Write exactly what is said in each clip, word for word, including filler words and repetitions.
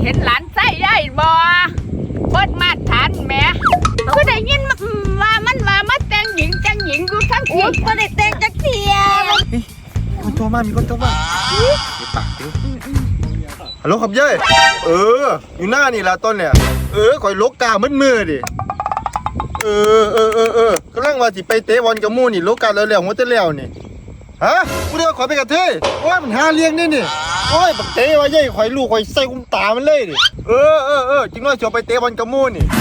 เห็นหลานไส้ได้บ่เปิดมาทันแม่ก็ได้ยินว่ามันว่ามาแต่งหญิงแต่งหญิงอยู่ทั้งทีก็ได้แต่งจักเทียมีคนโทรมามีคนโทรมามีปากดิฮัลโหลครับเย้เอออยู่หน้านี่ละต้นเนี่ยเออคอยลกกามืดมือดิเออเออเออเออกำลังว่าสิไปเตะบอลกับมู่นี่ลกกาแล้วแล้วหัวจะแล้วนี่ฮะกูเดี๋ยวขอไปกับเธอโอ้ยมันหาเลี้ยงนี่นี่โอ้ยบักเตะว่าเย้คอยลูกคอยใส่กุ้มตามันเลยดิเออเออเออจริงด้วยจะไปเตะบอลกับมู่นี่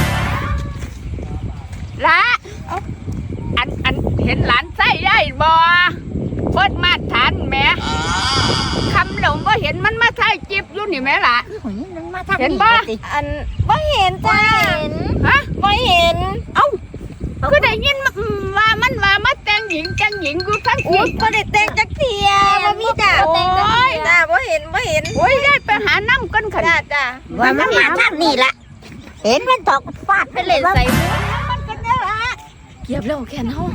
ละอันอันเห็นหลานไส้ได้บ่เปิดมาทันแม่คำหลงก็เห็นมันมาถ่ายจิบอยู่นี่แม่ล่ะเห็นบ่อันบ่เห็นจ้าฮะบ่เห็นเอ้าก็ได้ยินว่ามันว่ามาแต่งหญิงแต่งหญิงอยู่ทั้งทีก็ได้แต่งจักเทียบ่มีจ้าแต่งจักเทียจ้าบ่เห็นบ่เห็นโอ้ยได้ไปหาน้ำกันค่ะจ้าจ้าว่ามันมาทางนี้ละเห็นมันตกฟาดไปเลยใส่มันกันเนี่ยละเก็บแล้วแค่เฮา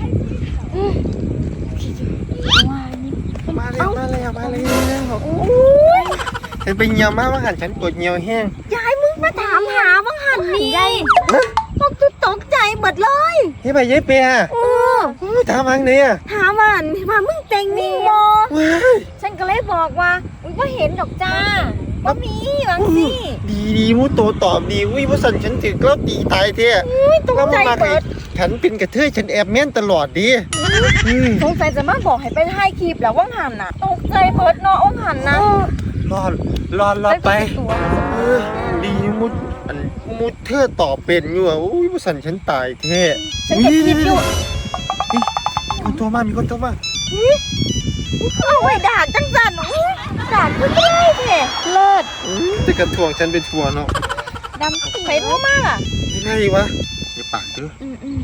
มาแล้วมาแล้วมาแล้วโอ้ยเห็นเป็นเงียวมากว่าหันฉันปวดเงียวแห้งยายมึงมาถามหาบ้างหันนี่ยายพวกตุ๊ตกใจหมดเลยเฮ้ยไปเย้เปียโอ้ถามทางนี้อ่ะถามว่าว่ามึงแต่งนี่บ่ฉันก็เลยบอกว่ามึงไม่เห็นดอกจ้าบ่มีบางสิดีดีมูโตตอบดีอุ้ยว่าสันฉันถือกล้าตีตายเท่ตกใจเบิดฉันเป็นกระเทยฉันแอบแม่นตลอดดิสงสัยจะมาบอกให้ไปถ่ายคลิปแล้วว่างหันน่ะตกใจเบิดเนาะว่างหันนะรอดรอดรอดไปดีมุดอันมุดเธอตอบเป็นอยู่อ่ะอุ้ยว่าสันฉันตายเท่ฉันจะคิดอยู่คนโทรมามีคนโทรมาเอาไว้ด่าจังจันด่าก็ได้เท่เลิศจะกระถ่วงฉันเป็นทัวเนาะดำไปรู้มากอ่ะไม่ได้วะอย่าปากดื้อ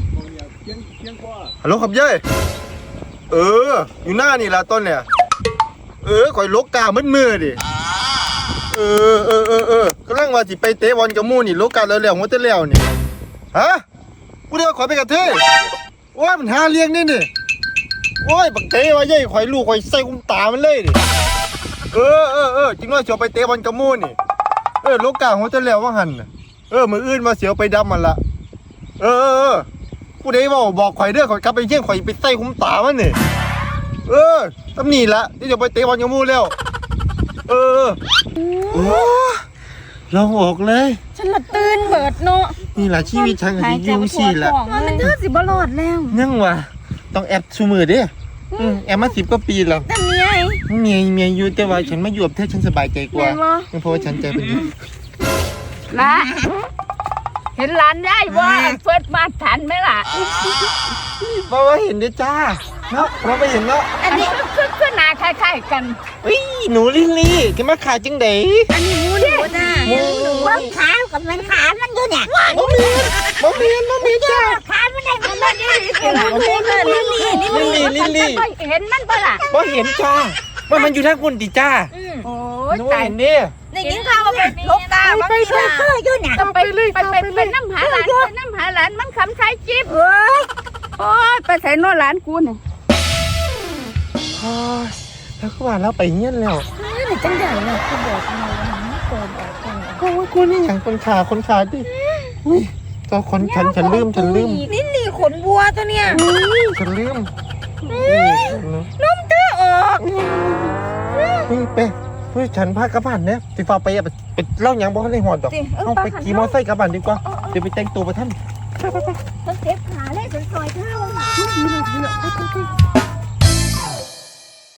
ฮัลโหลครับเย้เอออยู่หน้านี่ละต้นเนี่ยเออคอยลกกามืดมือดิเออเออเออเออกำลังว่าสิไปเตะบอลกับมู่นี่ลกกาแล้วแล้วหัวจะแล้วนี่ฮะกูเดี๋ยวขอไปกับเธอโอ้ยมันหาเลี้ยงนี่นี่โอ้ยบักเตะว่าเย้คอยลูกคอยใส่กุ้มตามันเลยดิเออเออเออจริงด้วยจะไปเตะบอลกับมู่นี่เออลกกาหัวจะแล้วว่าหันเออมืออื่นมาเสียวไปดำมันละเออเออกูได้บอกบอกข่อยเด้อข่อยกลับไปเชี่ยงข่อยไปใส่คุ้มตามันนี่เออตำหนิละที่จะไปเตะบอลกับมู่แล้วเออโอ้ลองออกเลยฉันละตื่นเบิดเนาะนี่แหละชีวิตฉันกับที่ยุ่งสิละมันเธอสิบ่รอดแล้วนั่งวะต้องแอบชูมือดิแอบมาสิบกว่าปีแล้วแต่เมียเมียเมียอยู่แต่ว่าฉันมาอยู่กับเธอฉันสบายใจกว่าเพราะว่าฉันใจเป็นละเห็นหลานได้ว่าเฟิร์สมาทันไหมล่ะเพราะว่าเห็นด้วยจ้าเนาะเราไปเห็นเนาะอันนี้คือคือหน้าคล้ายๆกันอุ้ยหนูลิลลี่จะมาขายจังเด๋อันนี้มูนี่จ้าว่าขากับมันขามันอยู่เนี่ยมะเมียนมะเมียนมะเมียนจ้าขามันได้มันได้ลิลลี่ลิลลี่ลิลลี่เห็นมันปะล่ะว่าเห็นจ้าว่ามันอยู่ทางคุณดิจ้าโอ้ยตายเนี่ยในกินข้าวไปลกตาบางทีนะอยู่เนี่ยไปไปไปไปน้ำหาหลานไปน้ำหาหลานมันคำใช้จิ๊บโอ้ยไปใส่นอหลานกูเนี่ยโอ้ยแล้วก็ว่าเราไปเงี้ยแล้วนี่จังใหญ่เลยกูบอกทำไมวันนี้โกนออกคนโอ้ยกูนี่อย่างคนขาคนขาดิอุ้ยตัวคนฉันฉันลืมฉันลืมนี่นี่ขนวัวตัวเนี้ยฉันลืมน้มเตื้อออกนี่เป้เฮ้ยฉันพากระบาดเนี่ยติฟ้าไปไปเล่าอย่างบอกให้ในหอดดอกเอาไปขี่มอไซค์กระบาดดีกว่าเดี๋ยวไปแต่งตัวไปท่านไปไปไปฉันเจ็บขาเลยฉันซอยเท้า